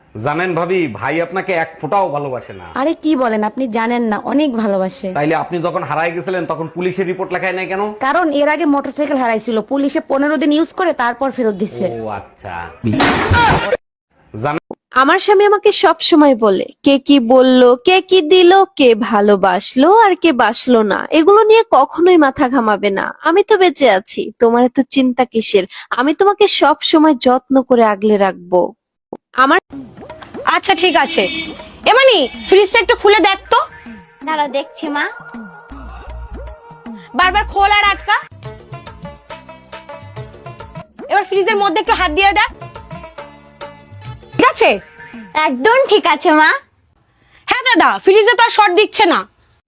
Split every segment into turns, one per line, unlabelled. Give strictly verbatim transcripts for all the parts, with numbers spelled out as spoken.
জানেন ভাবি, ভাই আপনাকে এক ফোঁটাও ভালোবাসে না।
আরে কি বলেন, আপনি জানেন না, অনেক ভালোবাসে।
তাইলে আপনি যখন হারায় গেছিলেন তখন পুলিশের রিপোর্ট লেখায় নাই কেন?
কারণ এর আগে মোটরসাইকেল হারাইছিল, পুলিশে পনেরো দিন ইউজ করে তারপর ফেরত দিচ্ছে।
ও আচ্ছা।
আমার স্বামী আমাকে সব সময় বলে কে কি বললো, কে কি দিল, কে ভালোবাসলো আর কে বাসলো না, এগুলো নিয়ে কখনোই মাথা ঘামাবে না। আমি তো বেঁচে আছি, তোমার এত চিন্তা কিসের? আমি তোমাকে সব সময় যত্ন করে আগলে রাখবো। আমার
আচ্ছা ঠিক আছে, এমানি ফ্রিজটা একটু খুলে দেখ তো।
দাঁড়া দেখছি মা।
বারবার খোল আর আটকা। এবার ফ্রিজের মধ্যে একটু হাত দিয়ে দেখ। ঠিক আছে?
একদম ঠিক আছে মা।
হ্যাঁ দাদা, ফ্রিজে তো আর শর্ট দিচ্ছে না।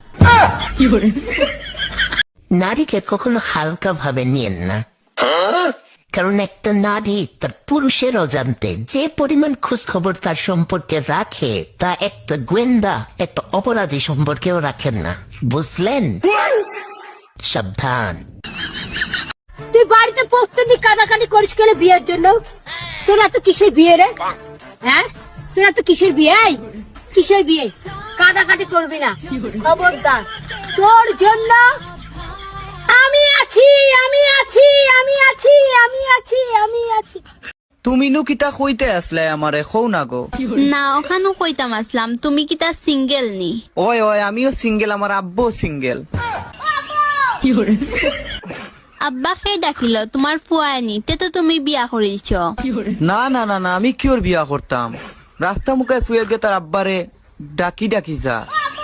নারীকে কখনো হালকা ভাবে নিয়েন না, কারণ একটা নারী তার পুরুষের অজান্তে যে পরিমাণ খোঁজ খবর তার সম্পর্কে রাখে তা একটা গোয়েন্দা একটা অপরাধী সম্পর্কেও রাখেন না, বুঝলেন? সাবধান।
তুই বাড়িতে প্রতিদিন কাদাকাটি করিস কেন বিয়ের জন্য? তোরা তো কিসের বিয়ে রে? হ্যাঁ, তোরা তো কিসের বিয়ে? কিসের বিয়ে? কাদাকাটি করবি না, খবরদার। তোর জন্য আমি আছি, আমি আছি, আমি আছি, আমি আছি, আমি আছি।
তুমি নু কিতা কইতে আসলে আমারে কও না গো।
না ওখানে কইতাম আসলাম, তুমি কি তা সিঙ্গেল নি?
ওই ওই আমিও সিঙ্গেল, আমার আব্বু সিঙ্গেল।
আব্বাকে ডাকিল তোমার ফুয়ানি, তে তো তুমি বিয়া করিলছ।
না না না না, আমি কিওর বিয়া করতাম? রাস্তা মুখে ফুয়ে গে তার আব্বারে ডাকি ডাকি যা।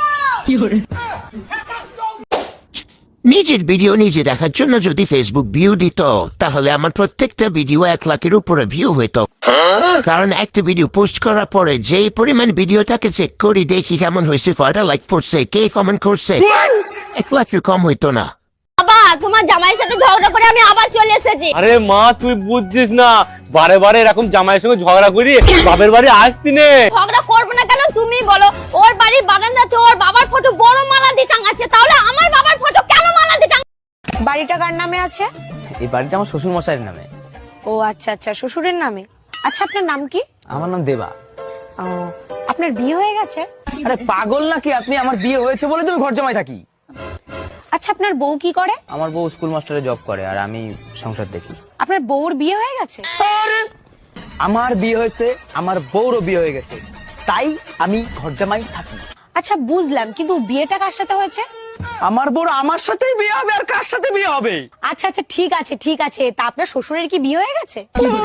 নিজের ভিডিও নিজে দেখার জন্য যদি ফেসবুক ভিউ দিত, তাহলে আমার প্রত্যেকটা ভিডিও এক লাখের উপরে ভিউ হইতো। কারণ একটা ভিডিও পোস্ট করার পরে যে পরিমাণ ভিডিওটাকে চেক করি, দেখি কেমন হয়েছে, কয়টা লাইক পড়ছে, কে কমেন্ট করছে, এক লাখের কম হইতো না।
বাবা তোমার জামাইয়ের সাথে ঝগড়া করে আমি আবার চলে এসেছি।
আরে মা, তুই বুঝছিস না, বারে বারে এরকম জামাইয়ের সঙ্গে ঝগড়া করি বাপের বাড়ি আসতি নে।
ঝগড়া করবো না কেন তুমি বলো? ওর বাড়ির বারান্দাতে ওর বাবার ফটো বড় মালা দিয়ে টাঙাচ্ছে, তাহলে আমার বাবার ফটো কেন মালা দিয়ে টাঙাচ্ছে?
বাড়িটা কার নামে আছে?
এই বাড়িটা আমার শ্বশুর মশাইয়ের নামে।
ও আচ্ছা আচ্ছা, শ্বশুরের নামে। আচ্ছা আপনার নাম কি?
আমার নাম দেবা।
ও, আপনার বিয়ে হয়ে গেছে?
আরে পাগল নাকি আপনি? আমার বিয়ে হয়েছে বলে তুমি ঘর জামাই থাকি।
আচ্ছা আপনার বউ কি করে?
আমার বউ স্কুল মাস্টারে জব করে আর আমি সংসার দেখি।
আপনার বউর বিয়ে হয়ে গেছে?
আমার বিয়ে হয়েছে, আমার বউরও বিয়ে হয়ে গেছে, তাই আমি ঘর জামাই থাকি।
আচ্ছা বুঝলাম, কিন্তু বিয়েটা কার সাথে হয়েছে?
আমার বউর আমার সাথেই বিয়ে হবে, আর কার সাথে বিয়ে হবে?
আচ্ছা আচ্ছা ঠিক আছে ঠিক আছে, তা আপনার শ্বশুরের কি বিয়ে হয়ে গেছে?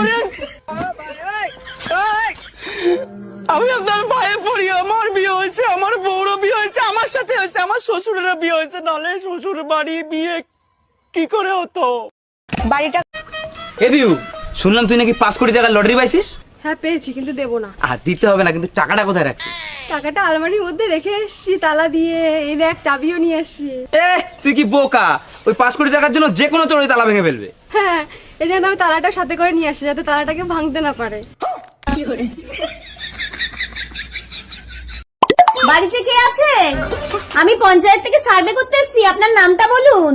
আমি আপনার ভাইয়ে পড়ি, আমার বিয়ে হয়েছে, আমার বউরও বিয়ে হয়েছে, আমার সাথে হয়েছে, আমার শ্বশুরেরও বিয়ে হয়েছে, নাহলে শ্বশুর বাড়ি বিয়ে কি করে হতো?
বাড়িটা
এ বিউ, শুনলাম তুই নাকি পাঁচ কোটি টাকা লটারি পাইছিস।
হ্যাঁ পেয়েছি, কিন্তু দেবো না।
আর দিতে হবে না, কিন্তু টাকাটা কোথায় রাখছিস?
টাকাটা আলমারির মধ্যে রেখে এসছি তালা দিয়ে, এই দেখ চাবিও নিয়ে এসছি।
এ তুই কি বোকা? ওই পাঁচ কোটি টাকার জন্য যে কোনো চোরই তালা ভেঙে ফেলবে।
হ্যাঁ, এই জন্য আমি তালাটা সাথে করে নিয়ে আসছি, যাতে তালাটাকে ভাঙতে না পারে।
বাড়িতে কে আছে? আমি পঞ্চায়েত থেকে সার্ভে করতে এসেছি, আপনার নামটা বলুন।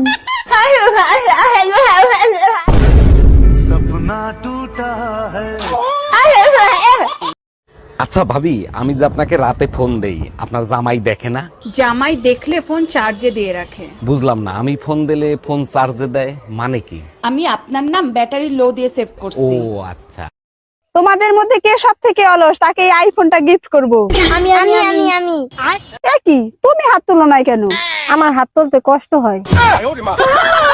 আচ্ছা ভাবি, আমি যে আপনাকে রাতে ফোন দেই, আপনার জামাই দেখে না?
জামাই দেখলে ফোন চার্জে দিয়ে রাখে।
বুঝলাম না, আমি ফোন দিলে ফোন চার্জে দেয় মানে কি?
আমি আপনার নাম ব্যাটারি লো দিয়ে সেভ
ও
করছি।
আচ্ছা।
তোমাদের মধ্যে কে সব থেকে অলস, তাকে এই আইফোনটা গিফট করবো।
আমি আমি আমি আমি
কি তুমি হাত তুলো নাই কেন? আমার হাত তুলতে কষ্ট হয়।